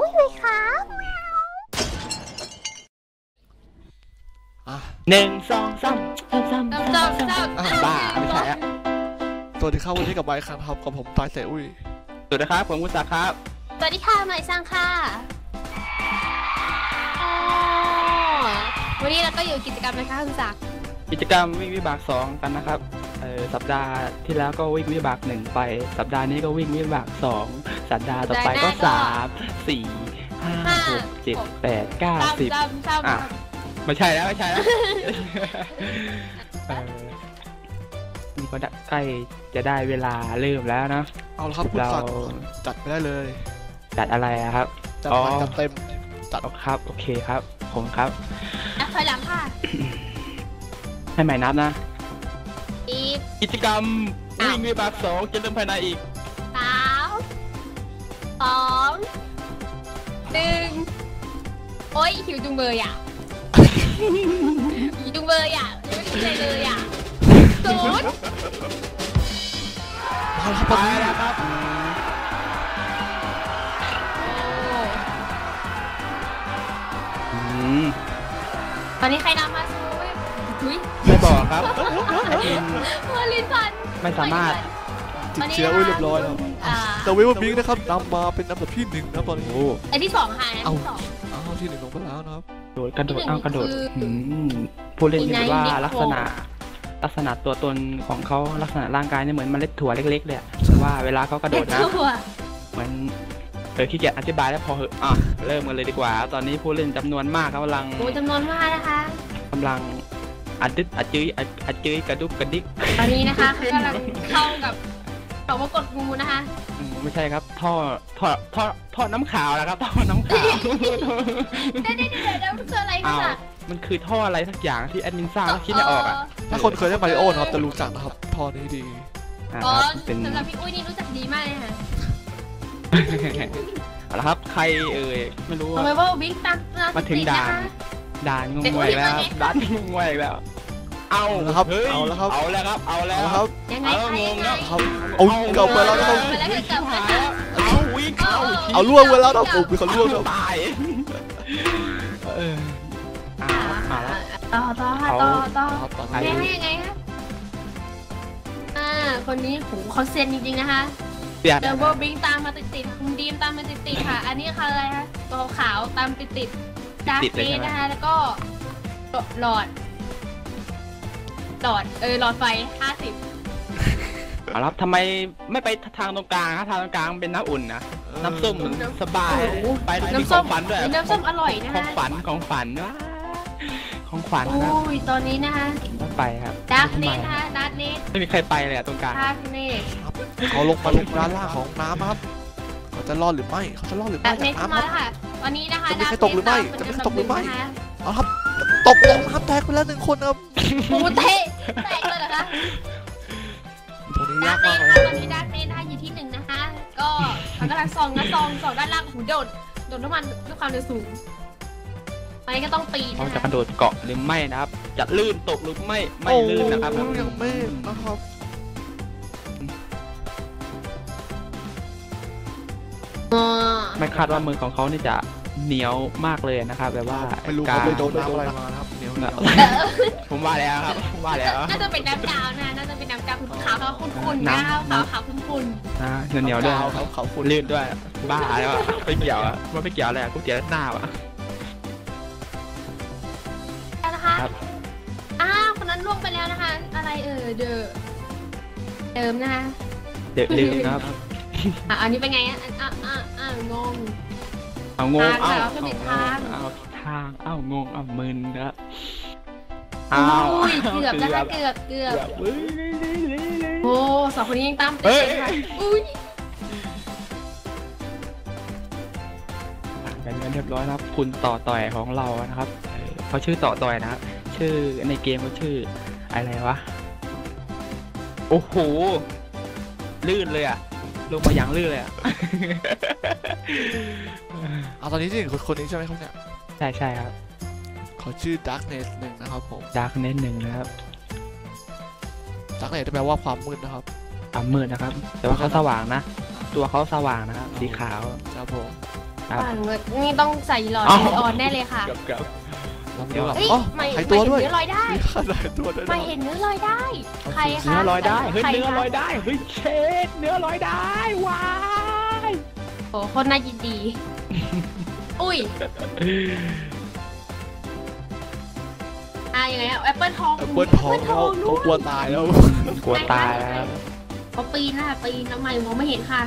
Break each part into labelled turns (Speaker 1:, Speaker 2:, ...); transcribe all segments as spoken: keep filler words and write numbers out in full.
Speaker 1: อุ้ยเลยครับ
Speaker 2: หนึ่งสองสามสามสามสามสามบ้าไม่ใช่อะ
Speaker 3: สวัสดีครับวันนี้กับไมค์ครับกับผมตายเสอุ้ย
Speaker 2: สวัสดีครับผมกุศลครับ
Speaker 1: สวัสดีค่ะหมายซังค่ะวันนี้เราก็อยู่กิจกรรมนะคะคุณศักดิ์
Speaker 2: กิจกรรมวิ่งวิบากสองกันนะครับสัปดาห์ที่แล้วก็วิ่งวิบากหนึ่งไปสัปดาห์นี้ก็วิ่งวิบากสองสัปดาห์ต่อไปก็สามสี่ห้าหกเจ็ดแปดเก้าสิบอ่ะไม่ใช่แล้วไม่ใช่แล้วนี่ก็ใกล้จะได้เวลาเริ่มแล้วนะ
Speaker 3: เอาละครับเราจัดไปได้เลย
Speaker 2: จัดอะไรครับ
Speaker 3: จัดจัดเต็ม
Speaker 2: จัดครับโอเคครับผมครับ
Speaker 1: นับถอยหลังค่ะ
Speaker 2: ให้ใหม่นับนะกิจกรรมวิ่งวิบากสองจะเริ่มภายในอีก
Speaker 1: สามสองหนึ่งโอ้ยหิวจุงเบยอ่ะหิวจุงเบยอ่ะยังไม่กินอะไรเลยอ่ะศูนย์
Speaker 3: ไปแล้วครับ
Speaker 1: ตอนนี้ใครนำมาซูทุย
Speaker 2: ไม่บอกครับ
Speaker 1: เมื่อลินฟัน
Speaker 2: ไม่สามารถ
Speaker 3: ติดเชื้ออุ้ยเรียบร้อยแล้วแต่เวลบิงนะครับนำมาเป็นอันดับที่หนึ่งนะตอนนี้
Speaker 1: อันที่สองค่ะอันที่สอง
Speaker 3: เอาที่หนึ่งลงไปแล้วนะครับ
Speaker 2: โดดกระโดดเอากระโดดผู้เล่นคิดว่าลักษณะลักษณะตัวตนของเขาลักษณะร่างกายเนี่ยเหมือนเมล็ดถั่วเล็กๆเลยว่าเวลาเขากระโดดนะเหมือนเออขี้เกียจอธิบายแล้วพอเหอะอ่ะเริ่มกันเลยดีกว่าตอนนี้ผู้เล่นจำนวนมากกำลัง
Speaker 1: โอ้จำนวนมากนะคะ
Speaker 2: กำลังอัดดึ๊ดอัดจื้ออัดจื้อกระดุกกระดิก
Speaker 1: ตอนนี้นะคะกำลังเข้ากับเขาว่ากดงูนะคะ
Speaker 2: ไม่ใช่ครับท่อท่อท่อท่อน้ำขาวนะครับท่อน้ำขาว
Speaker 1: เดี๋ยวเดี๋ยวเดี๋ยวมันคืออะไรกันล่ะ
Speaker 2: มันคือท่ออะไรสักอย่างที่แอดมินสร้างแล้วคิดไม่ออกอ่ะ
Speaker 3: ถ้าคนเคยเล่นมาริโอนะครับจะรู้จักนะครับท่อนี้ดี
Speaker 1: อ๋อสำหรับพี่อุ้ยนี่รู้จักดีมากเลยค่ะ
Speaker 2: เอาละครับใครเอ่ยไม่รู้
Speaker 1: ทำไมว่าบิ๊กตัก
Speaker 2: มาถึงด่านด่านงงวยแล้วด่านงงวยแล้วเอา
Speaker 3: แล้วครับเอาแล้วครับ
Speaker 2: เอาแล้วครับเอาแล้ว
Speaker 3: ครับ
Speaker 1: ยังไง
Speaker 3: งงแล้วครับเอาเก่าไปแล้วนะครับ
Speaker 2: เอาวิ่งเอา
Speaker 3: เอาล่วงไปแล้วนะผมเป็นคนล่วงแล้ว
Speaker 2: ตายเออมาแล้ว
Speaker 1: ต่อต่อต่อต่อต่อยังไงยังไงคะอ่าคนนี้หูเขาเซนจริงๆนะคะเดอะโบบิงตามมาติดๆคุณดีมตามมาติดๆค่ะอันนี้คืออะไรคะตัวขาวตามติดๆดาร์กเฟสนะคะแล้วก็หลอดหลอดเออหลอดไฟห้าสิบ
Speaker 2: เอาละทำไมไม่ไปทางตรงกลางทางตรงกลางเป็นน้ำอุ่นนะน้ำส้มสบายไปน้ำส้มฝันด้วย
Speaker 1: น้ำส้มอร่อยนะคะ
Speaker 2: ของฝันของฝันวะของฝัน
Speaker 1: นะอุ้ยตอนนี้นะคะ
Speaker 2: ไปครับ
Speaker 1: ดาร์กเนสนะคะดาร์กเนส
Speaker 2: ไม่มีใครไปเลยอะตรงกลาง
Speaker 1: ดาร์กเนส
Speaker 3: เขาลงมาลงด้านล่างของน้ำครับเขาจะรอดหรือไม่เขาจะรอดหรือไม่
Speaker 1: ดาร์กเนสมาแล้วค่ะตอนนี้นะคะ
Speaker 3: จะมีใครตกหรือไม่จะมีใครตกหรือไม่เอาครับตกลงน้ำแตกไปแล้วหนึ่งคนครับ
Speaker 1: ปูเทแตกเลยเหรอคะ
Speaker 3: ตัวนี้ยากมากเลย
Speaker 1: ตอนนี้ดาร์กเนสนะคะอยู่ที่หนึ่งนะคะก็เขากำลังส่องนะส่องส่องด้านล่างหูโดดโดดน้ำมันด้วยความเร็วสูงไปก็ต้องปีน
Speaker 2: เขาจะกระโดดเกาะหรือไม่นะครับจะลื่นตกหรือไม่ไม่ลื่นนะครับ
Speaker 3: ยังไม่นะครับ
Speaker 2: ไม่คาดว่ามือของเขานี่จะเหนียวมากเลยนะครับแบบว่า
Speaker 3: ไม่รู้เขาไปโดนน้ำอะไรมาครับเหนียว
Speaker 2: ผมว่าแล้วครับผมว่าแล้ว
Speaker 1: น่าจะเป็นน้ำดาวนะน่าจะเป็นน้ำดาวขาวขาวขุ่นๆนะขาวขาวขุ่น
Speaker 2: ๆนะเหนียวด้วย
Speaker 3: เขาเขาขุ่น
Speaker 2: ลื่นด้วยบ้าแล้วไม่เกี่ยวอะว่าไม่เกี่ยวอะไรกูเกี่ยวหน้าอ่ะ
Speaker 1: นะคะอ้าวคนนั้นล่วงไปแล้วนะคะอะไรเออเดอเดิมนะคะ
Speaker 2: เดิมลืมครับ
Speaker 1: อ่ะอันนี้เป็นไงอ่ะอ่ะอ่ะอ่ะงง
Speaker 2: เอางงเอา
Speaker 1: เอา
Speaker 2: ทางเอาทางเอางงเอามึนครับ
Speaker 1: อ้าวเกือบนะคะเกือบเกือบโอ้สองคนนี้ยังตามติดเลยค่ะอุ้ย
Speaker 2: เป็นเรียบร้อยครับคุณต่อต่อยของเรานะครับเขาชื่อต่อต่อยนะครับชื่อในเกมเขาชื่ออะไรวะโอ้โหลื่นเลยอ่ะลงมาอย่างลื่นเลยอ่ะ
Speaker 3: เอาตอนนี้ที่คนคนนี้ใช่ไหมครับเนี่ย
Speaker 2: ใช่ใช่ครับ
Speaker 3: เขาชื่อ Darkness หนึ่งนะครับผม
Speaker 2: Darkness หนึ่งนะครับ
Speaker 3: Darkness แปลว่าความมืดนะครับ
Speaker 2: ความมืดนะครับแต่ว่าเขาสว่างนะตัวเขาสว่างนะครับสีขาว
Speaker 3: ครับผม
Speaker 2: อ
Speaker 1: ป่านเลยนี่ต้องใส่หลอด
Speaker 2: เอ้า
Speaker 1: นีออนแน่เลยค่ะ
Speaker 2: เกือบเกือบ
Speaker 3: เดี๋ยว
Speaker 1: เฮ้ย
Speaker 3: อ๋อ
Speaker 1: ไม่
Speaker 3: หาย
Speaker 1: ไม่
Speaker 3: ตัว
Speaker 1: เห็น
Speaker 3: ด้วย
Speaker 1: เนื้อลอยได้
Speaker 3: มีขนาดตัวด้วย
Speaker 1: ไม่เห็นเนื้อลอยได้ ใครคะ
Speaker 2: เนื้อลอยได้เฮ้ย
Speaker 1: ใคร
Speaker 2: เนื้อ
Speaker 1: คะ
Speaker 2: ลอยได้เฮ้ยเชดเนื้อลอยได้ว้าย
Speaker 1: โอ้คนน่ายินดี อุ้ยอ่ะยังไงแอปเปิลทอง
Speaker 3: แอปเปิลทองแล้วเขากลัวตายแล้ว
Speaker 2: กลัวตายแล้ว
Speaker 1: เขาปีนนะคะปีนทำไมมองไม่เห็นค่ะ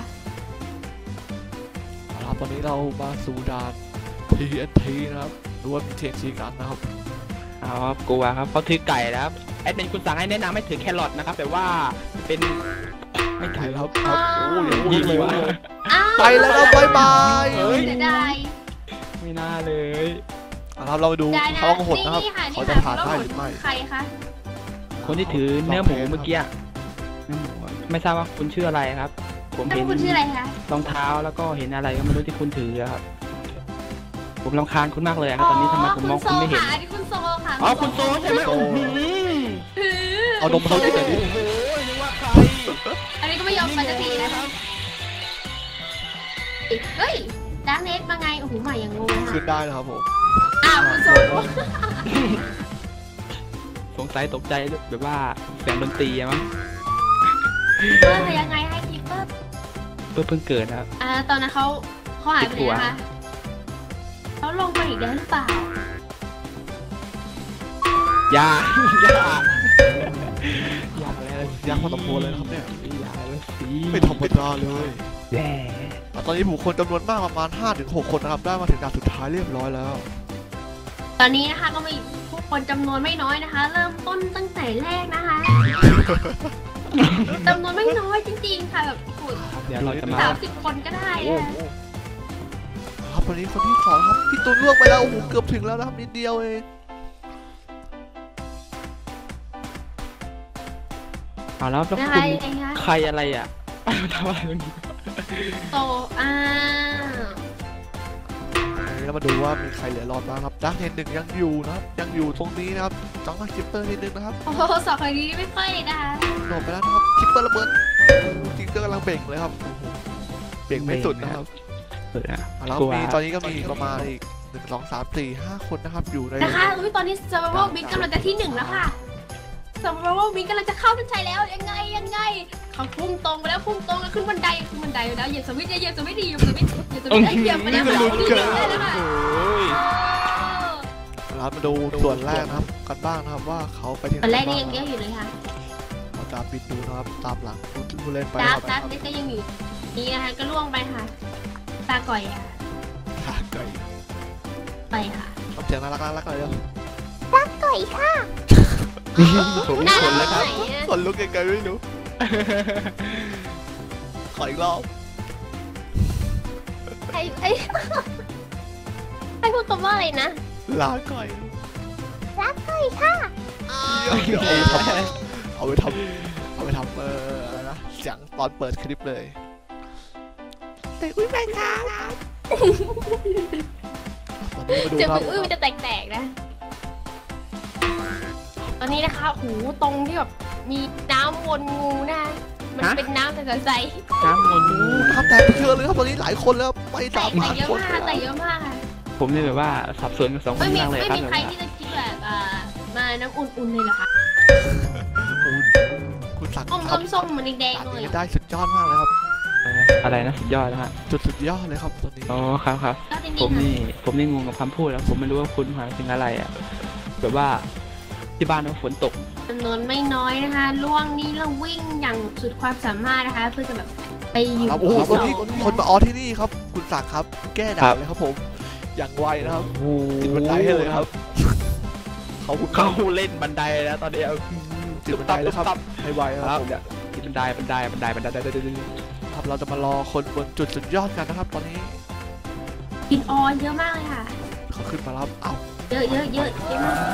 Speaker 3: ครับตอนนี้เรามาสู่ด่าน ที เอ็น ที นะครับหรือว่ามี ที เอ็น ที กันนะครับ
Speaker 2: เอาครับกลัวครับเขาถือไก่แล้วครับแอดเป็นคุณสั่งให้แนะนำให้ถือแครอทนะครับแต่ว่าเป็นไม่
Speaker 3: ไก่
Speaker 2: ถือ
Speaker 3: ค
Speaker 2: ค
Speaker 3: รั
Speaker 2: รั
Speaker 3: บบ ครับโอ้ย
Speaker 2: ยิ
Speaker 3: ยิ
Speaker 2: ง
Speaker 3: ง
Speaker 2: เล
Speaker 3: เลย ย
Speaker 2: ว่ะ
Speaker 1: อ้าว
Speaker 3: ไปแล้วครับบ๊ายบาย
Speaker 2: เฮ้ย
Speaker 1: เสียดาย
Speaker 2: ไม่น่าเลย
Speaker 3: อ่ะครับเราไปดู
Speaker 1: ได้นะ
Speaker 3: ท้องหดนะครับ
Speaker 1: นี่ค่ะ
Speaker 3: เขา
Speaker 1: นี่
Speaker 3: จะ
Speaker 1: ค่ะ
Speaker 3: ผ่านได้
Speaker 1: แล้ว
Speaker 3: หรือไม่
Speaker 1: ใครคะ
Speaker 2: คนที่ถือเนื้อหมูเมื่อกี้อะเนื้อหมูอะไม่ทราบว่าคุณชื่ออะไรครับ ผม
Speaker 1: แล้ว
Speaker 2: เห็น
Speaker 1: คุณชื่ออะไรคะ
Speaker 2: รองเท้าแล้วก็เห็นอะไรก็ไม่รู้ที่คุณถืออะครับ ผมรำคาญคุณมากเลยอะครับตอนนี้ทำไมผมมองคุณไม่เห็น
Speaker 1: อ๋อคุณโซค่ะอันนี้คุณโซค่ะ
Speaker 2: อ๋อคุณโซใช่ไหม
Speaker 3: โซ
Speaker 2: โอ้โห
Speaker 1: ถือ
Speaker 3: เอานมเขาที่ไหนดิ
Speaker 2: โอ้โหนึกว่าใคร
Speaker 1: อันนี้ก็ไม่ยอมไปสักทีนะคะเฮ้ยดาร์กเนสมาไงโอ้โหใหม่ยังงง
Speaker 3: ขึ้น
Speaker 1: ค่ะ
Speaker 3: ได้นะครับผม
Speaker 1: อ้าวคุณโซ
Speaker 2: สงสัยตกใจแบบว่าเสียงดนตรีอะมั้ง
Speaker 1: เพิ่มยังไงให้คิปเปอร์
Speaker 2: เพิ่งเพิ่งเกิดนะครับ
Speaker 1: อ่าตอนนั้นเขาเขาหายไปไหนนะคะเขาลงไปอีกแล้วหรือเปล่า
Speaker 2: อย่า อย่าอย่าแล้วสิ
Speaker 3: ยากพอสมควรเลยนะครับเนี่ย
Speaker 2: อย่าแล้วสิ
Speaker 3: ไม่ธรรมดาเลย
Speaker 2: แย่
Speaker 3: ตอนนี้ผู้คนจำนวนมากประมาณ ห้าถึงหก คนนะครับได้มาถึงด่านสุดท้ายเรียบร้อยแล้ว
Speaker 1: ตอนนี้นะคะก็มีผู้คนจำนวนไม่น้อยนะคะ เริ่มต้นตั้งแต่แรกนะคะจำนวนไม่น้อยจริงๆค่ะแบบขุด
Speaker 2: เดี๋ยวเราจะมา
Speaker 1: สามสิบคนก็ได้
Speaker 3: โอ้
Speaker 1: อะ
Speaker 3: โหครับวันนี้คนที่สองครับพี่ตูนล่วงไปแล้วโอ้โหเกือบถึงแล้วนะครับนิดเดียวเอง
Speaker 2: เอาแล้วแล้ว
Speaker 1: นะ
Speaker 2: คุ
Speaker 1: คะ
Speaker 2: ณ
Speaker 1: ยังไงคะ
Speaker 2: ใครอะไรอ่ะ ทำอะไรตรงนี้
Speaker 1: โตอ่า
Speaker 3: วันนี้เรามาดูว่ามีใครเหลือรอดบ้างครับดักเห็นหนึ่งยังอยู่นะครับยังอยู่ตรงนี้นะครับจังหวะคิปเปอร์นิดนึงนะครับ
Speaker 1: โอ้โหสองคนนี้ไม่ค่อยนะคะ
Speaker 3: โดดไปแล้วนะครับคิปเปอร์ระเบิดจริงก็กำลังเบ่งเลยครับโอ้โหเบ่งไม่สุดนะครับ
Speaker 2: เออนะ
Speaker 3: อ่ะแล้ว
Speaker 2: กลัว
Speaker 3: มีตอนนี้ก็มีอีกประมาณอีกหนึ่งสองสามสี่ห้าคนนะครับอยู่ใน
Speaker 1: นะคะอุ้ยตอนนี้ Survival Big กำลังจะที่หนึ่งแล้วค่ะ Survival Big กำลังจะเข้าเส้นชัยแล้วยังไงยังไงเขาพุ่งตรงไปแล้วพุ่งตรงแล้วขึ้นบันไดขึ้นบันไดแล้วเหยียบสวิตช์เหยียบสวิตช์ดีเหยียบสวิตช์เหยียบสวิตช์เหยียบไปแล้ว
Speaker 3: นี่มันลุ้นเกิน
Speaker 1: ได้แล้วค่ะ
Speaker 2: โอ้ย
Speaker 3: เรามาดูส่วนแรกนะครับกันบ้างนะครับว่าเขาไปที่ไหน
Speaker 1: ตอนแรกนี่
Speaker 3: บ้า
Speaker 1: ยัง
Speaker 3: ง
Speaker 1: เยอะอยู่เลยค่ะ
Speaker 3: เราตามบิดดูนะครับตามหลังผู้เล่นไป
Speaker 1: ดา
Speaker 3: ค
Speaker 1: ร์
Speaker 3: รั
Speaker 1: ก
Speaker 3: บ
Speaker 1: ดาร์กเด็กก็ยังอยู่นี่นะคะก็ล่วงไปค่ะ ตาก่อยอ่ะ
Speaker 3: ขาไก่
Speaker 1: ไปค่ะ
Speaker 3: ทำเสียงน่ารักน่ารักเลยเร็ว
Speaker 1: ก่อยค่ะ
Speaker 2: ผม
Speaker 1: น่า
Speaker 2: คน
Speaker 1: รั
Speaker 2: แล้ว
Speaker 1: ก
Speaker 2: ครับ
Speaker 1: ไหนอะ
Speaker 3: คนลุกไกลๆไม่รู้ขออีกรอบ
Speaker 1: ไอ้ไอ้ให้พูดคำว่าอะไรนะ
Speaker 3: ลาก่อย
Speaker 1: รักก่อยค่ะ
Speaker 3: เดี๋ยวเอาไปทำเอาไปทำเอาไปทำเอออะไรนะเสียงตอนเปิดคลิปเลยแต่อุ้ยแม่ครับตอนนี้มาดู
Speaker 1: เจะ
Speaker 3: ครับ
Speaker 1: อุ้ยมันจะแตกๆนะ ตอนนี้นะคะหูตรงที่แบบมีน้ำวนงูนะคะมันเป็นน้ำใส
Speaker 2: น้ำมนต์
Speaker 3: น้ำแตกไปเยอะเลยครับตอนนี้หลายคนแล้วไป
Speaker 1: ๆแต
Speaker 3: สาม
Speaker 1: กแต่
Speaker 3: พัน
Speaker 1: เยอะ
Speaker 3: คน
Speaker 1: มากแต่เยอะมากค่ะ
Speaker 2: ผมนี่แบบว่าสับสนกับสองค
Speaker 1: ไม่
Speaker 2: น
Speaker 1: มี
Speaker 2: มากเลย
Speaker 1: ไม่
Speaker 2: ครับ
Speaker 1: มี
Speaker 2: แบบ
Speaker 1: ใคร
Speaker 2: ว่า
Speaker 1: ที่จะคิดแบบอ่ามาน้ำอุ่นๆเลยเหรอคะ
Speaker 3: คุณคุณสั่ง
Speaker 1: ส้ม
Speaker 3: ทำ
Speaker 1: ส้มๆมันแดง
Speaker 3: อัน
Speaker 1: ๆเลย
Speaker 3: นี้ได้สุดยอดมากเลยครับ
Speaker 2: เอออะไรนะสุดยอดนะฮะ
Speaker 3: จุดสุดยอดเลยครับตอนนี้
Speaker 2: อ๋อครับครับ
Speaker 1: ก็จริง
Speaker 2: ผม
Speaker 1: ๆค่ะ
Speaker 2: นี่ผมนี่งงกับคำพูดแล้วผมไม่รู้ว่าคุณหมายถึงอะไรอ่ะแบบว่าที่บ้านมันฝนตก
Speaker 1: จำนวนไม่น้อยนะคะล่วงนี้เราวิ่งอย่างสุดความสามารถนะคะ เพื่อจะแบบไปอยู่
Speaker 3: ครับโอ้โห
Speaker 1: ที่
Speaker 3: คน
Speaker 1: สอ
Speaker 3: ที่
Speaker 1: ง
Speaker 3: คนมาออที่นี่ครับ คุณศักดิ์ครับ แก้ด่าเลยครับผม อย่างไวนะครับ
Speaker 2: โอ้โห
Speaker 3: ติดบันไดให้เลยครับ เขาคุณ
Speaker 2: เขาเล่นบันไดแล้วตอนนี้เอา
Speaker 3: ติดบันไดแล้วครับให้ไวค
Speaker 2: ค
Speaker 3: รั
Speaker 2: รั
Speaker 3: บบ ผม
Speaker 2: ติดบันไดบันไดบันไดบันไดบันไดบันได
Speaker 3: ครับเราจะมารอคนบนจุดสุดยอดกันนะครับ ตอนนี้
Speaker 1: กินออนเยอะมากเลยค่ะ
Speaker 3: เขาขึ้นมารับเอ้า
Speaker 1: เยอะเยอะเยอะเยอะมาก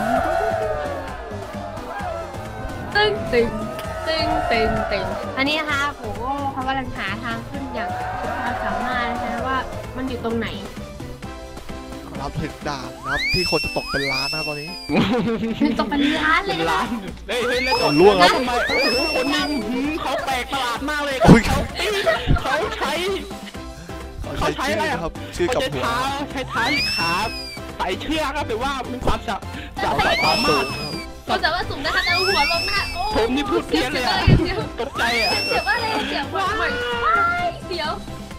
Speaker 1: ตึงตึงตึงตึงตึงอันนี้นะคะผมก็เขากำลังหาทางขึ้นอย่างสุดความสามารถนะคะว่ามันอยู่ตรงไหน
Speaker 3: รับถึงด่านนะครับ ที่คนจะตกเป็นล้านนะครับตอนนี้
Speaker 1: มันตกเป็นล้านเลย
Speaker 2: เป็น
Speaker 1: นะ
Speaker 2: ล้า
Speaker 1: คะ
Speaker 2: นเฮ้ยเฮ้ยแล้ว
Speaker 3: เอาล่วงครับ
Speaker 2: ทำไมโอ้โหคนนี้หืมเขาแปลกประหลาดมากเลย
Speaker 3: อุ๊ย
Speaker 2: เขาเขาใช้
Speaker 3: เขา
Speaker 2: เขาใช้อะไร
Speaker 3: ครับชื่อกับหัว
Speaker 2: ใช้เท้าขาใส่เชือกครับหรือว่ามีความสามารถ
Speaker 1: ก็แต่ว่าสูงนะคะแต่หัวลงนะคะโอ้
Speaker 2: ผมนี่พูดเพี้ยนเลยอะตกใจอ่ะ
Speaker 1: เสียว่าอะไรเสียว่าอะไรเดี๋ยว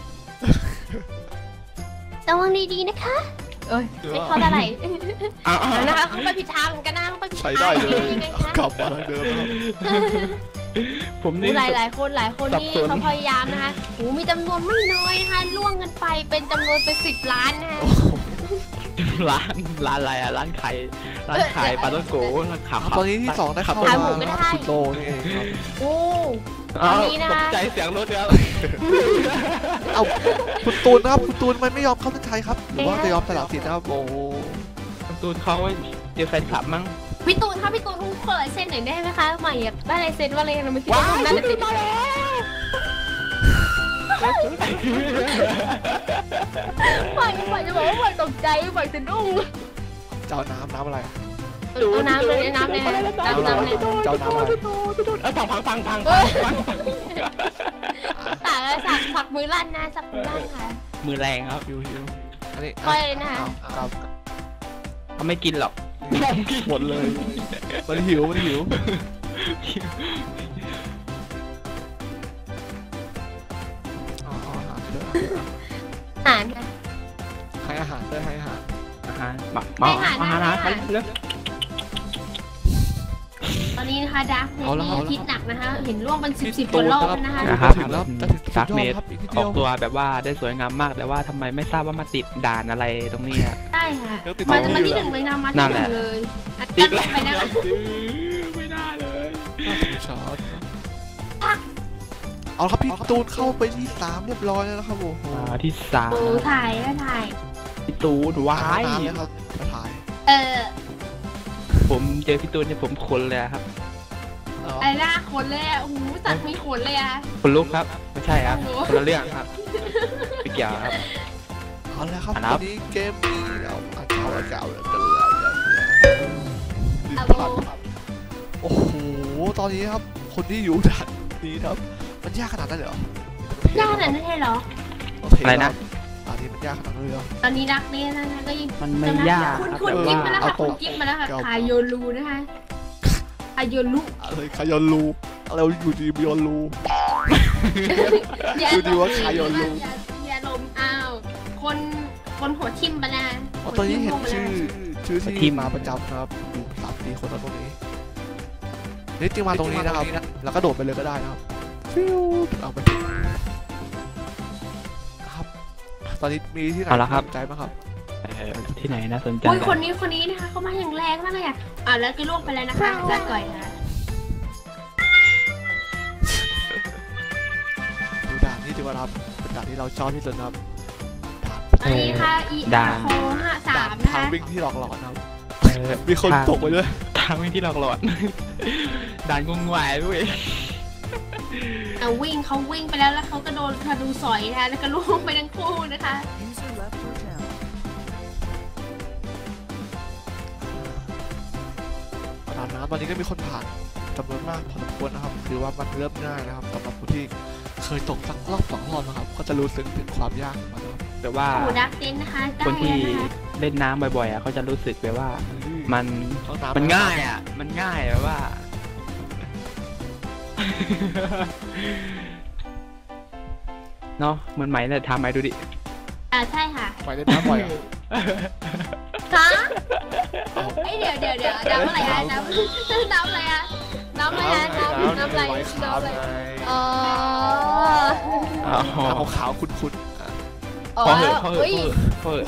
Speaker 1: ระวังดีๆนะคะเอ้ยไม่เข้าอะไรนะคะเขาไปผิดทางกันนะเขาไปผิดทาง
Speaker 3: ใช้ได้เลย
Speaker 1: ยังไงคะ
Speaker 3: กลับมาทางเดิมครับ
Speaker 2: ผมนี่
Speaker 1: หลายหลายคนหลายคนนี่เขาพยายามนะคะโอ้มีจำนวนไม่น้อยนะคะล่วงกันไปเป็นจำนวนเป็นสิบล้านนะคะ
Speaker 2: ร้านร้านอะไรอ่ะร้านไข่ร้านไข่ปลาต้นโกร้านขา
Speaker 3: ตอนนี้ที่สองได้เข้ามาคุณโตนี่เองครับ
Speaker 1: โอ้
Speaker 2: ตกใจเสียงรถเนี่ย
Speaker 3: เอาคุณตูนนะครับคุณตูนมันไม่ยอมเข้าเส้นชัยครับหรือว่าจะยอมสละสิทธิ์นะครับโอ้
Speaker 2: คุณตูนเขาเจอแฟนคลับมั้ง
Speaker 1: พี่ตูนถ้าพี่ตูนขอลายเซ็นหน่อยได้ไหมคะใหม่อยากได้ลายเซ็นว่าอะไรนะไม่คิดว่าน่าจะติดมาแล้วใหม่ใหม่จะบอกว่าใหม่ตกใจใหม่จะดุ้ง
Speaker 3: เจ้าน้ำน้ำอะไร
Speaker 1: เอาน้ำเลยน้ำเลยน้ำน้ำเลย
Speaker 3: เจ้าน้ำอะไร
Speaker 2: เออพังพังพังพัง
Speaker 1: ตากเลยสักสักมือลั่นนะสักมือลั่นค่ะ
Speaker 2: มือแรงครับ
Speaker 3: ฮิวฮิวอันนี้
Speaker 1: ค่อยเลยนะคะ
Speaker 3: ครับ
Speaker 2: เขาไม่กินหรอก
Speaker 3: หมดเลยมันหิวมันหิวอาหาร
Speaker 1: อาหารค่ะ
Speaker 3: ให้อาหารด้วยให้อาหาร
Speaker 2: อาหารมามาอาหารอาหารเรื่อง
Speaker 1: ตอนนี้นะคะดาร์กเมนี่คิดหนักนะคะเห็นล่วงเป็นสิบสิบก
Speaker 3: ตู
Speaker 1: ว่าน รอบ
Speaker 3: นะครับ
Speaker 1: นะคะ
Speaker 3: ถึงแล้วจะถึง
Speaker 2: ดาร์กเม
Speaker 3: ครับอีกนิด
Speaker 2: อ
Speaker 3: เดี
Speaker 2: อย ก
Speaker 3: ว
Speaker 2: ตัวแบบว่าได้สวยงามมากแต่ว่าทำไมไม่ทราบว่ามาติดด่านอะไรตรงนี้อ่ะ
Speaker 1: ใช่ค่ะมาจะมาที่หนึ่งเลยนะมาที่หนึ่งเลยอัดกันไปนะคะ
Speaker 2: ไม่ได้เลย
Speaker 3: ช็อตเอาครับพี่ตูนเข้าไปที่สามเรียบร้อยแล้วนะครับโอ้โห
Speaker 2: ที่สาม
Speaker 1: โอ้ถ่ายก็ถ่าย
Speaker 2: พี่ตูนว้าย
Speaker 3: น้ำแล้วครับมาถ่าย
Speaker 1: เออ
Speaker 2: ผมเจอพี่ตูนเนี่ยผมขนเลยครับ
Speaker 1: ไอ้หน้าขนเลยอ่ะโอ้โหสัตว์มีขนเลยอ่ะ
Speaker 2: คนลุกครับไม่ใช่ครับคนละเรื่องครับไม่เกี่ยวครับ
Speaker 3: เอาละครับ
Speaker 2: อันนั
Speaker 3: วั
Speaker 2: บ
Speaker 3: นนี้เกมนี้เราอาจจะเอาเก่าเลยกันเลย
Speaker 1: เอาโบ
Speaker 3: โอ้โหตอนนี้ครับคนที่อยู่ด่านนี้ครับมันยากขนาดนั้นเลยเหรอย
Speaker 1: ากขนาดนั้นเลยเหรอ
Speaker 2: อะไรนะ
Speaker 3: ตอนนี้มันยากขนาดนั้นเลยเหรอ
Speaker 1: ตอนนี้รักเนี่ยนะคะก็ยัง
Speaker 2: มันไม่ยาก
Speaker 1: คุณ
Speaker 2: ครับ
Speaker 1: คุณ
Speaker 2: แต่
Speaker 1: กิ๊บ
Speaker 2: ว่า
Speaker 1: มาแล้วค่ะคุณกิ๊บมาแล้วค่ะคาโยลูนะคะคาโยลู
Speaker 3: อะไรคายอนลูอะไรอยู่ดีบิออนลู
Speaker 1: อย่า
Speaker 3: ดูดีว่าคาโยลู
Speaker 1: อย่าลมอ้าวคนคนหัวทิ่มไปนะ
Speaker 3: ตอนนี้เห็นชื่อชื่อที่มาประจำนะครับอยู่สามสี่คนแล้วตรงนี้นี่จริงมาตรงนี้นะครับแล้วก็โดดไปเลยก็ได้นะครับฟิวเอาไปครับตอนนี้มีที่ไหนสนใจไหมครับ
Speaker 2: ที่ไหนน่าสนใจ
Speaker 1: โอ้ยคนนี้คนนี้นะคะเขามาอย่างแรงมากเลยอ่ะอ่าแล้วก็ล่วงไปแล้วนะคะลาก่อยค่ะ
Speaker 3: ดูด่านที่ถือว่าครับเป็นด่านที่เราชอบที่สุดนะครับ
Speaker 1: อันนี้ค่ะอีอาร์โคห้าสา
Speaker 3: ด่าม น
Speaker 1: นะ
Speaker 3: ทาง
Speaker 1: คะ
Speaker 3: วิ่งที่หลอกหลอนนะครับ
Speaker 2: เออ
Speaker 3: มีคนตกไปด้วย
Speaker 2: ทางวิ่งที่หลอกหลอนด่านงงงวยด้วย
Speaker 1: เอาวิ่งเขาวิ่งไปแล้วแล้วเขาก็โดนธนูสอยนะคะแล้วก็ล่วงไปทั้งคู่นะคะ
Speaker 3: ด่านน้ำตอนนี้ก็มีคนผ่านจำนวนมากพอสมควรนะครับคือว่ามันเริ่มง่ายนะครับสำหรับผู้ที่เคยตกสักรอบสองรอบนะครับก็จะรู้สึกถึงความยากของมันนะครับ
Speaker 2: แต่ว่า
Speaker 1: โอ้ดักเจนนะคะได้
Speaker 2: คนที่
Speaker 1: นะคะ
Speaker 2: เล่นน้ำบ่อยๆอ่ะเขาจะรู้สึกแบบว่ามัน
Speaker 3: ต้องน้ำ
Speaker 2: มันง่ายอ่ะมันง่ายแบบว่า เนาะเหมือนไหมเนี่ยทำไหมดูดิ
Speaker 1: อ่าใช่ค่ะ
Speaker 3: ไปเล่นน้ำบ่อยอ่ะ
Speaker 1: ฮะเอ้ยเดี๋ยวเดี๋ยวเดี๋ยวน้ำอะไรคะน้ำน้ำอะไรอะน้ำอะไรอะน้ำน้ำอะไร
Speaker 3: ไว้ขา
Speaker 1: น้ำ
Speaker 3: ว
Speaker 1: อะไร
Speaker 3: ไง
Speaker 1: อ๋อ
Speaker 2: อ๋อ
Speaker 3: น้ำขาวๆคุ้นๆอ่ะ
Speaker 1: อ๋อ
Speaker 2: พอเหอะพอเหอะ
Speaker 1: เฮ้ย
Speaker 2: พอเหอะ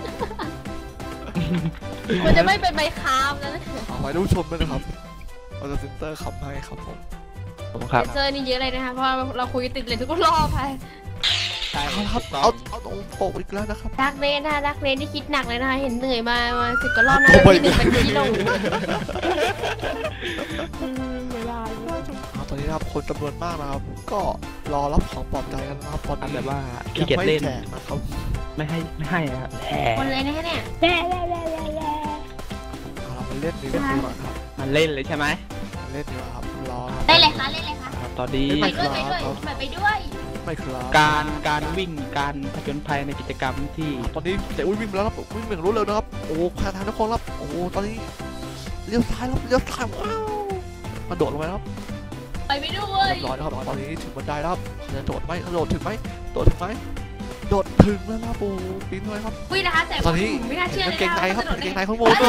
Speaker 1: มันจะไม่เป็นใบคามแล้วนะ
Speaker 3: เอาไว้ท่านผู้ชมด้วยนะครับเราจะเซ็นเตอร์ขับให้ครับผม
Speaker 2: ผมครับ
Speaker 1: เซอร์นี่เยอะเลยนะคะเพราะเราคุยติดเลยทุกรอบไป
Speaker 3: เอาละครับเอาเอาตรงโปกอีกแล้วนะครับ
Speaker 1: ดักเรนนะคะดักเรนที่คิดหนักเลยนะคะเห็นเหนื่อยมามาสิบกว่ารอบนะแล้วที่หนึ่งเป็นที่ลง
Speaker 3: เอาตอนนี้นะครับคนจำนวนมากนะครับ ก็รอรับของปลอบใจกันนะครับตอนนี้
Speaker 2: แบบว่า
Speaker 3: ยั
Speaker 2: ขี้เกียจ
Speaker 3: ไม่
Speaker 2: เล่น
Speaker 3: แจกนะครับ
Speaker 2: ไม่ให้ไม่ให้อะครับแห
Speaker 1: คนเลยนะคะเนี่ย
Speaker 3: เอาเราไปเล่นดีกว่าก่อนครับ
Speaker 2: มันเล่นเลยใช่ไหม
Speaker 3: เล่นดีกว่าครับรอครับ
Speaker 1: ได้เลยค่ะเล่นเลยค่ะ
Speaker 2: ครับตอนนี้
Speaker 1: ไปด้วยไปด้วยไปด้วย
Speaker 3: ไม่ครับ
Speaker 2: การการวิ่งการผจญภัยในกิจกรรมที่
Speaker 3: ตอนนี้เตะอุ้ยวิ่งมาแล้วครับวิ่งอย่างรวดเร็วนะครับโอ้พาทางทุกคนครับโอ้ตอนนี้เลี้ยวซ้ายครับเลี้ยวซ้ายว้าวมันโดดลงไปครับ
Speaker 1: ไปไม่ด้วย
Speaker 3: เรียบร้อยแล้วครับตอนนี้ถึงบันไดแล้วครับจะโดดไหมโดดถึงไหมโดดถึงไหมโดดถึงแล้วครับโอ้ปีนเลยครับ
Speaker 1: วิ่งนะคะแต่
Speaker 3: ตอนนี้
Speaker 1: ไม่น่าเชื่อ
Speaker 3: เห็น
Speaker 1: เลย
Speaker 3: กางเกงในครับ
Speaker 1: ก
Speaker 3: เกงในข้างบน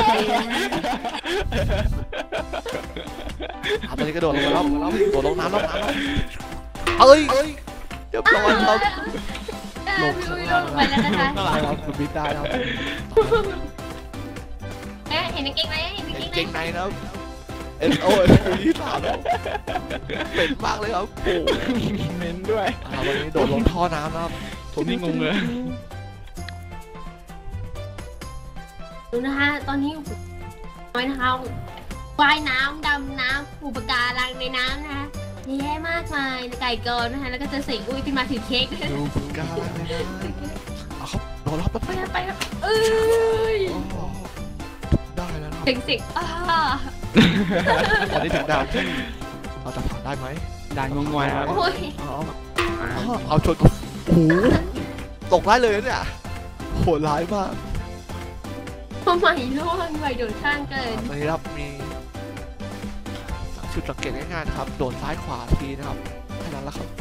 Speaker 3: ตอนนี้กระโดดลงมาแล้วโดดลงน้ำแล้วน้ำแล้วเอ้ยเรียบร้อยครับ
Speaker 1: ลงลงลงไปแล้วนะคะ
Speaker 3: ได้ครับบินได้ครับ
Speaker 1: เอ๊ะเห็นกางเกงในเห็นกาง
Speaker 3: เก
Speaker 1: เก
Speaker 3: ง
Speaker 1: ง
Speaker 3: ใน
Speaker 1: ใน
Speaker 3: นะครับเอ็นโอ้ยยี่สามแล้วเป็นมากเลยครับโอ้
Speaker 2: เม้นด้วย
Speaker 3: วันนี้โดดลงท่อน้ำนะครับ
Speaker 2: ผมนี่งงเลย
Speaker 1: ดูนะคะตอนนี้น้อยนะคะว่ายน้ำดำน้ำปูปะการังในน้ำนะคะแย่มากมายไก่กอนนะคะแล้วก็จะเสกอุ้ยขึ้นมาถือเค้กด้วย
Speaker 3: ดูฝึกการอะไรนะเอาครับโดดรับไป
Speaker 1: ไปไปครับเอ้ย
Speaker 3: ได้แล้วนะครับ
Speaker 1: เสียงเสียงอ่า
Speaker 3: ตอนนี้ถึงดาวที่เราจะผ่านได้ไหม
Speaker 2: ด่านงงงวยครับ
Speaker 1: โอ้ย
Speaker 3: เอาเอาชนโอ้โหตกได้เลยเนี่ยโหดร้ายมาก
Speaker 1: ทำไมร่วงใหม่โดดข้างเกิน
Speaker 3: ตอนนี้ครับมีจุดสังเกตง่ายๆนะครับโดดซ้ายขวาทีนะครับแค่นั้นแหละครับ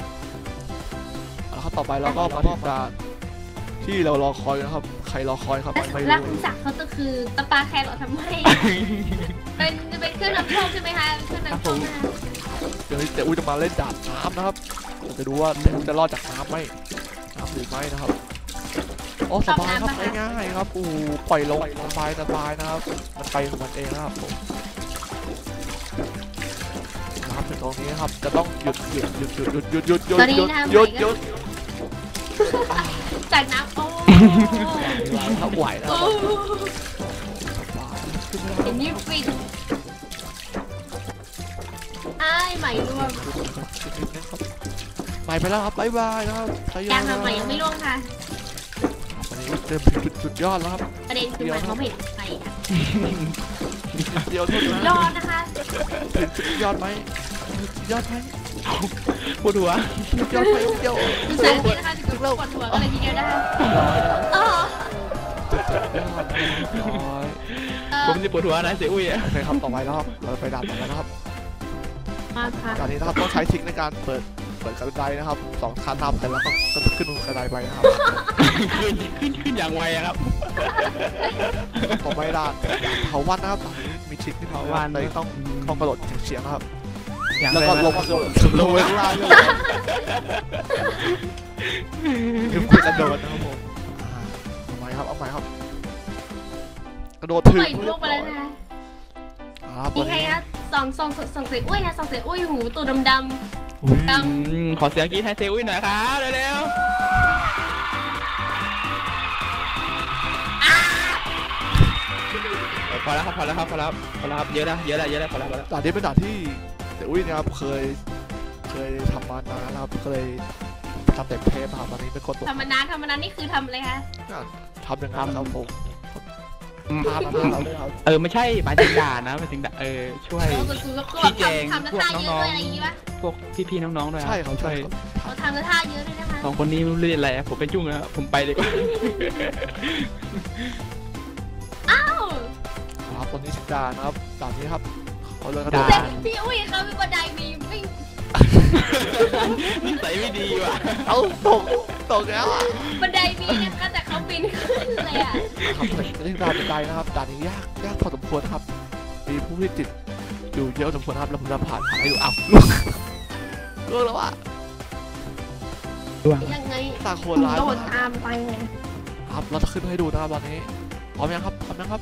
Speaker 3: แล้วต่อไปเราก็มาที่การที่เรารอคอยนะครับใครรอคอยครับไม่
Speaker 1: แล้ว
Speaker 3: รู้
Speaker 1: คุณศักดิ์เขาจะคือตะปาแครอททำไมเป็นเป็นเครื่องนำโชคใช่ไหมคะเครื่องนำโชคนะคะ
Speaker 3: เดี๋ยวเตะอุ้ยจะมาเล่นดาบน้ำนะครับเราจะดูว่าเตะอุ้ยจะรอดจากน้ำไหมน้ำหรือไม่นะครับโอ้สบายครับง่ายๆครับอู้ปล่อยลงสบายสบายนะครับมันไปของมันเองนะครับผมน้ำถึงตรงนี้ครับจะต้องหยุดหยุดหยุดหยุดหยุดหยุดหยุดหยุดหยุดหยุดหยุด
Speaker 1: จากน้ำโอ้
Speaker 3: ถ้าไหวนะค
Speaker 1: โอ้
Speaker 3: รับ
Speaker 1: เห็นนี่ฟินอ้ายใหม่ร่วง
Speaker 3: ไปไปแล้วครับบ๊ายบายนะครับ
Speaker 1: ยังค่ะใหม่ยังไม่ร่วงค่ะ
Speaker 3: วันนี้เต็มจุดสุดยอดแล้วครับ
Speaker 1: ประเด็นคือใหม่เขาไม่เห็นใครค่ะ
Speaker 3: เดียวเท่านั้น
Speaker 1: ยอดนะคะ
Speaker 3: ถึงสุดยอดไหมสุดยอดไหม
Speaker 2: ปวดหัว
Speaker 3: สุดยอดไหมเดียว
Speaker 1: ดูสายนี้นะคะถึงกดหัวกันเลยทีเดียวได้อ๋อ
Speaker 3: ร้อย
Speaker 2: ผมจะปวดหัวนะเสียอุ้ยอะ
Speaker 3: โอเคครับต่อไปแล้วครับเราไปด่านต่อไปนะครับ
Speaker 1: มาค่ะ
Speaker 3: ด่านนี้นะครับต้องใช้ทริคในการเปิดเปิดกระไดนะครับสองคันทับแต่แล้วก็ก็ขึ้นกระไดไปนะครับ
Speaker 2: ขึ้นขึ้นขึ้นอย่างไวอะครับ
Speaker 3: ต่อไปด่านเถาวันนะครับมีทริคที่เถาวันเลยต้องต้องกระโดดเฉียงๆนะครับ
Speaker 2: อย่าง
Speaker 3: แล้ว
Speaker 2: ไร
Speaker 3: ก็
Speaker 2: นะ
Speaker 3: ลงมาลงไปข้างล่างเลยคือคุณกระโดดนะครับผมเอาใหม่ครับเอาใหม่ครับกระโดดถึง
Speaker 1: ใหม่ร่วงไปแล้วนะคะ
Speaker 3: ครับ
Speaker 1: มีใครคะสองสองสองเสียอุ้ยนะสองเสียอุ้ยหูตัวดำ
Speaker 3: อุ้ย
Speaker 2: อืมขอเสียงกรี๊ดให้เซอุ้ยหน่อยครับเร็วๆพอแล้วครับพอแล้วครับพอแล้วพอแล้วครับเยอะแล้วเยอะแล้วเยอะแล้วพอแล้วพอแล้ว
Speaker 3: ด่านนี้เป็นด่านที่เดี๋ยวอุ้ยนะครับเคยเคยทำมานานนะครับเคยทำเด็กเทปครับตอนนี้เป็นคนตก
Speaker 1: ๆธรรมดาธรรมดานี่คือทำอะไรคะ
Speaker 3: ทำอย่างนั้นครับผม
Speaker 2: อืม
Speaker 3: พามาเราด้วยครับ
Speaker 2: เออไม่ใช่หมายถึงด่านะหมายถึงด่าเออช่วย
Speaker 1: เราก็คือก็แบบทำทำท่าเยอะด้วยอะไรอย่างงี้ปะ
Speaker 2: พวกพี่ๆน้องๆด้วย
Speaker 3: ใช่ครับ
Speaker 2: ช่
Speaker 3: ใช่
Speaker 2: วย
Speaker 3: ครับ
Speaker 1: เราทำท่าเยอะด้วยนะคะ
Speaker 2: สองคนนี้ไม่รู้เรียนอะไรอะผมไปจุ้งแล้วผมไปดีกว่า
Speaker 1: อ้าว
Speaker 3: ครับตอนนี้ถึงด่านนะครับด่านนี้ครับเขาเลยกระโดด
Speaker 1: แต่พี่อุ้ยเขามีบันไดมีไม่
Speaker 2: นิสัยไม่ดีว่ะ
Speaker 3: เอาตกตกแล้วอ่ะ
Speaker 1: บันไดมีนะคะแต่เขาปีนขึ้นเลยอ่ะ
Speaker 3: ครับตอนนี้ด่านเป็นไดนะครับด่านนี้ยากยากพอสมควรนะครับมีผู้ที่ติดอยู่เยอะสมควรครับแล้วผมจะผ่านผ่านให้ดูอ้าวล่วงแล้วอ่ะ
Speaker 1: ยังไง
Speaker 3: ตาโคนร้าย
Speaker 1: โด
Speaker 3: มา
Speaker 1: ด
Speaker 3: ก
Speaker 1: ตามไปไง
Speaker 3: ครับเราจะขึ้นให้ดูนะครับตอนนี้พร้อมยังครับพร้อมยังครับ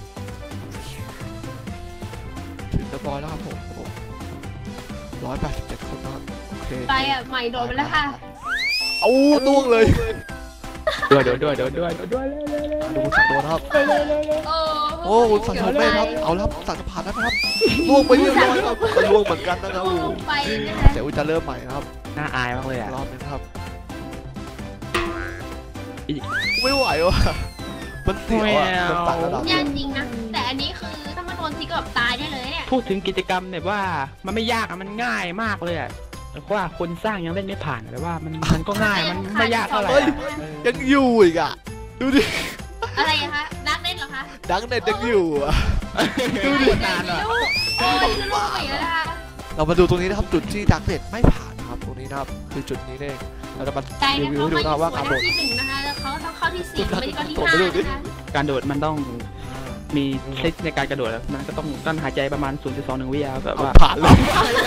Speaker 3: ถึงเรียบร้อยแล้วครับผมร้อยแปดสิบเจ็ดคนนะครับโอเค
Speaker 1: ไปอ่ะใหม่โดดไปแล้วค่ะ
Speaker 3: เอาล่วงเลย
Speaker 2: ด้วยด้วยด้วยด้วยด้วยด้วย
Speaker 3: ดูสั่งโดนนะครับ
Speaker 1: โอ้
Speaker 3: โอ้คุณสั่งโดนไม่ครับเอาแล้วสั่งจะผ่านแล้วนะครับล่วงไปเรียบร้อยครับก็ล่วงเหมือนกันนะครับ
Speaker 1: ล่วงไปนะคะ
Speaker 3: เดี๋ยวจะเริ่มใหม่นะครับ
Speaker 2: น่าอายมากเลยอ่ะ
Speaker 3: รอบนึงครับไม่ไหวว่ะมันเสียวอ่ะมันต่างระดับ
Speaker 1: ยากจริงนะแต่อันนี้คือถ้ามันโดนทีก็แบบตายได้เลยเนี่ย
Speaker 2: พูดถึงกิจกรรมเนี่ยว่ามันไม่ยากอะมันง่ายมากเลยอ่ะเพราะว่าคนสร้างยังเล่นไม่ผ่านแต่ว่ามันมันก็ง่ายมันไม่ยากเท่าไหร่
Speaker 3: เฮ้ย ยังอยู่อีกอ่ะดูดิ
Speaker 1: อะไรคะดักเล่นเหรอคะ
Speaker 3: ดังเน็ตยังอยู่อะ
Speaker 2: ดูดินานอ่ะ
Speaker 1: โอ้ยคือลูกไปแล้วนะคะ
Speaker 3: เรามาดูตรงนี้นะครับจุดที่ดังเน็ตไม่ผ่านนะครับตรงนี้นะครับคือจุดนี้เองเราจะมา
Speaker 1: ใจ
Speaker 3: รี
Speaker 1: นะ
Speaker 3: วิว
Speaker 1: เขา
Speaker 3: ให้ดู
Speaker 1: ไม่
Speaker 3: นะครับว่า
Speaker 1: สวย
Speaker 3: การโดด
Speaker 1: ที่หนึ่งนะคะแล้วเขาต้องเข้าที่สี่ไม่ได้เข้าที่
Speaker 3: โดด
Speaker 1: ห้า
Speaker 3: ไปดูดิ
Speaker 1: นะคะ
Speaker 2: การโดดมันต้องมีทริคในการกระโดดแล้วมันก็ต้องกั้นหายใจประมาณ ศูนย์จุดสองหนึ่ง วิอ่ะแบบ
Speaker 3: เอา
Speaker 2: ว่า
Speaker 3: ผ่านเลย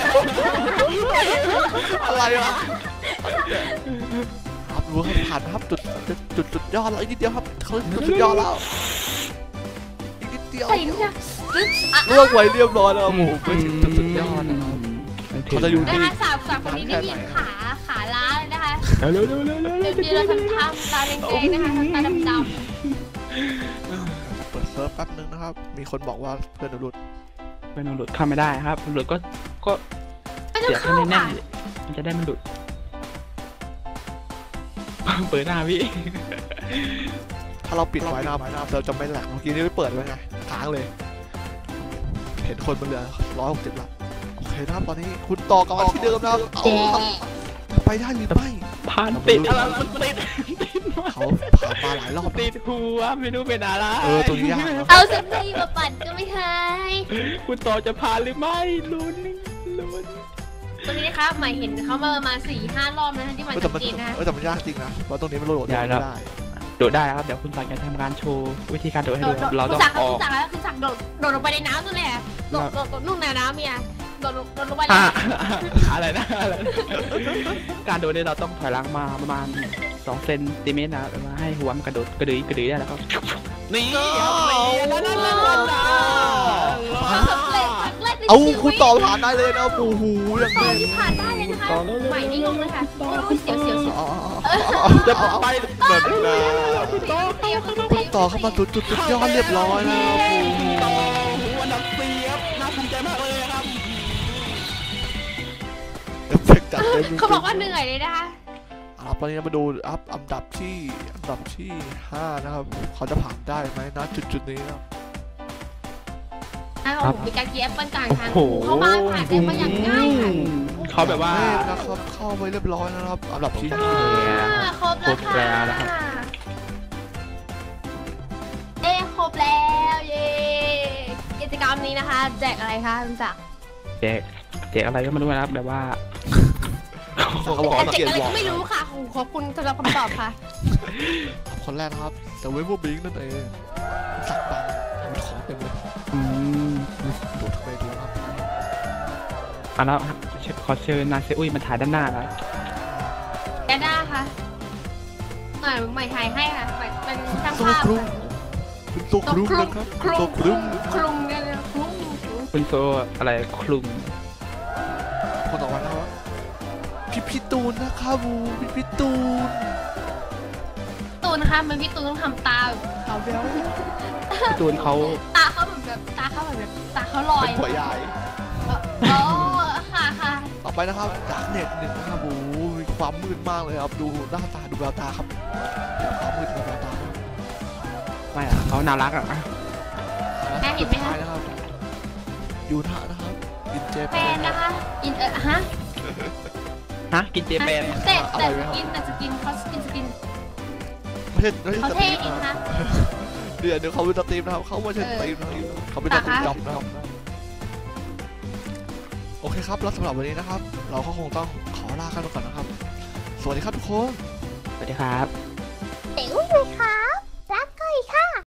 Speaker 3: อะไรวะครับรู้ครับผ่านนะครับจุดจุดจุดจุดยอดแล้วอีกนิดเดียวครับเขาจุดยอดแล้วอีกนิดเดียว
Speaker 1: ใส่นี่จ้ะอ่ะ
Speaker 3: เลือกไว้เรียบร้อยแล้วโอ้โหเป็นจุดสุดยอดนะครับเขาจะอยู่
Speaker 1: นะ
Speaker 3: ที่
Speaker 1: คะสาวสาวคนนี้ไม่มีขาขาล้าเลยนะคะ
Speaker 2: เร็วเร็วเร็วเร็ว
Speaker 1: เดี๋ยวเดี๋ยวเราทำทำตาแดงๆนะคะทำตาดำ
Speaker 3: เปิดเซิร์ฟแป๊บนึงนะครับ มีคนบอกว่าเพื่อนหลุด
Speaker 2: เป็นหลุดเข้าไม่ได้ครับหลุดก็ก็
Speaker 1: ๆไม่ต้อ
Speaker 2: เสี
Speaker 1: ง
Speaker 2: ยบ
Speaker 1: เข้า
Speaker 2: ให้แน่
Speaker 1: ค่ะ
Speaker 2: นๆมันจะได้มันหลุดเปิดหน้าพี่
Speaker 3: ถ้าเราปิดไว้นะครับเราจะไม่แหลกเมื่อกี้นี่ไม่เปิดไว้ไงค้างเลย เห็นคนบนเรือร้อยหกสิบละโอเคนะครับตอนนี้คุณต่อกลับมาที่เดิมนะครับเอาครับจะไปได้หรือไม่
Speaker 2: ผ่านติดอะไรมันติด
Speaker 3: เขาผ่านมาหลายรอบ
Speaker 2: ติดหัวไม่รู้เป็นอะไร
Speaker 3: เออตรงนี้ยากนะ
Speaker 1: เอาสักทีมาปั่นก็ไม่หาย
Speaker 2: คุณต่อจะผ่านหรือไม่ลุ้นลุ้น
Speaker 1: ตรงนี้นะคะใหม่เห็นเขามาประมาณสี่ห้ารอบนะคะที่มัน
Speaker 3: เออแต่
Speaker 1: ชัด
Speaker 3: มัน
Speaker 1: เจนนะ
Speaker 3: เออแต่มันยากจริงนะเพราะตรงนี้มันโหลดไม่ได้
Speaker 2: โดดได้ครับเดี๋ยวคุณสักจะทำการโชว์วิธีการโดดให้
Speaker 1: โด
Speaker 2: ดู
Speaker 1: ดโดด
Speaker 2: เรา
Speaker 1: คุ
Speaker 2: ต้
Speaker 1: ณ
Speaker 2: อง
Speaker 1: สั่ง
Speaker 2: ออก
Speaker 1: คุณสั่งแล้วคุณสั่งโดดโดดลงไปในน้ำนั่นแหละโดดโดดโดดนุ่งในน้ำเมียโดดโดดลงไปเลย
Speaker 2: อ่ะอะไรนะอะไรนะการโดดเนี่ยเราต้องถอยหลังมาประมาณสองเซนติเมตรนะมาให้หัวมันกระโดดกระดือยกระดือยได้แล้วก็นี่นั่นนั่นนั่นนั่น
Speaker 1: สำเร็จครั้งแรกใน
Speaker 3: เอา
Speaker 1: ชีวิต
Speaker 3: คุณต่อผ่านได้เลยนะโอ้โหอย่าง
Speaker 1: ต่อ
Speaker 3: นี้
Speaker 1: ที่ผ่านได้เลยนะคะใหม่นี่งงเลยค่ะโอ้ยเสียวเสียวเสียว
Speaker 2: จะไป
Speaker 3: เหมือนนะ
Speaker 1: เสียว
Speaker 3: คุณต่อเข้ามาจุดจุดจุดยอดเรียบร้อยแล้วโอ้โห
Speaker 2: อันดับสี่ครับน่าภูมิใจมากเลยครับ
Speaker 3: เอฟเฟกต์จัดเต็ม
Speaker 1: เขาบอกว่าเหนื่อยเลยนะคะ
Speaker 3: ครับตอนนี้มาดูอัพอันดับที่อันดับที่ห้านะครับเขาจะผ่านได้ไหมนะจุดจุดนี้ครับ
Speaker 1: อ้าวมีการกีแอปเปิลกลางทางเขามาผ่านได้มาอย่างง่ายค่ะ
Speaker 2: เขาแบบว่า
Speaker 3: นะครับเข้าไปเรียบร้อยแล้วนะครับอันดับที่
Speaker 1: อ่
Speaker 3: ห้า
Speaker 1: าครบแล้วค่ะเอ้ครบแล้วเย้กิจกรรมนี้นะคะแจกอะไรคะคุณจักร
Speaker 2: แจกแจกอะไรก็ไม่รู้นะครับแบบว่า
Speaker 3: เขาบอกว่า
Speaker 1: แจ
Speaker 3: เกีย
Speaker 1: ก
Speaker 3: ร
Speaker 1: อะไร
Speaker 3: ติบอ
Speaker 1: ก็
Speaker 3: ก
Speaker 1: ไม่รู้ค่ะขอบคุณสำหรับคำตอบค่ะ
Speaker 3: คนแรกนะครับแต่เวฟบิงนั่นเองสักบังมีของเต็มเลย
Speaker 2: อืม
Speaker 3: ดูทำไมดูครับ
Speaker 2: อ่ะแล้วขอเชิญนาเซอุ้ยมาถ่ายด้านหน้าแล้ว
Speaker 1: แกด้าค่ะหน่อยใหม่ถ่ายให้ค่ะใหม่เป็นช่าง
Speaker 3: โซ
Speaker 1: ภาพ
Speaker 3: ครุมคุณโซครุมนะครับ
Speaker 1: ครุ
Speaker 3: โซ
Speaker 1: ม
Speaker 3: ครุม
Speaker 1: ครุมเนี่ยครุม
Speaker 2: คุณโซอะไรคลุม
Speaker 3: คนต่อไปนะครับพี่พี่ตูนนะครับบูพี่พี่ตูน
Speaker 1: ตูนนะคะมันพี่ตูนต้องทำตาแบบเขาเบี้ยว
Speaker 2: พี่ตูนเขา
Speaker 1: ตาเขาแบบแบบตาเขาแบบแบบตาเขาลอย
Speaker 3: เป็นหัวใหญ่
Speaker 1: อ๋อค่ะค่ะ
Speaker 3: ต่อไปนะครับจากเน็ตหนึ่งนะครับบูมีความมืดมากเลยครับดูหน้าตาดูแววตาครับความมืดดูแววตา
Speaker 2: ไม่อะเขาน่ารักอ่ะ
Speaker 3: สุดท้ายนะครับยูทะนะครับอินเจ
Speaker 1: แฟนนะคะอินเออฮะ
Speaker 2: ฮะกินเจแปน
Speaker 1: แต่แต่สกินแต่สกินเขาสกินสกิน
Speaker 3: ไม่ใช่ไม่ใช่
Speaker 1: เขา
Speaker 3: สต
Speaker 1: เท่
Speaker 3: รีม
Speaker 1: จริง
Speaker 3: นะ
Speaker 1: นะ
Speaker 3: เดี๋ยวเดี๋ยวเขาเป็นสตรีมนะครับเขาไม่ใช่สตรีมนะครับเขาเป็นสตรีมจ็อบนะครับโอเคครับแล้วสำหรับวันนี้นะครับ เราก็คงต้องขอลากันไปก่อนนะครับ สวัสดีครับทุกคน
Speaker 2: สวัสดีครับ
Speaker 1: เอ๋ค่ะ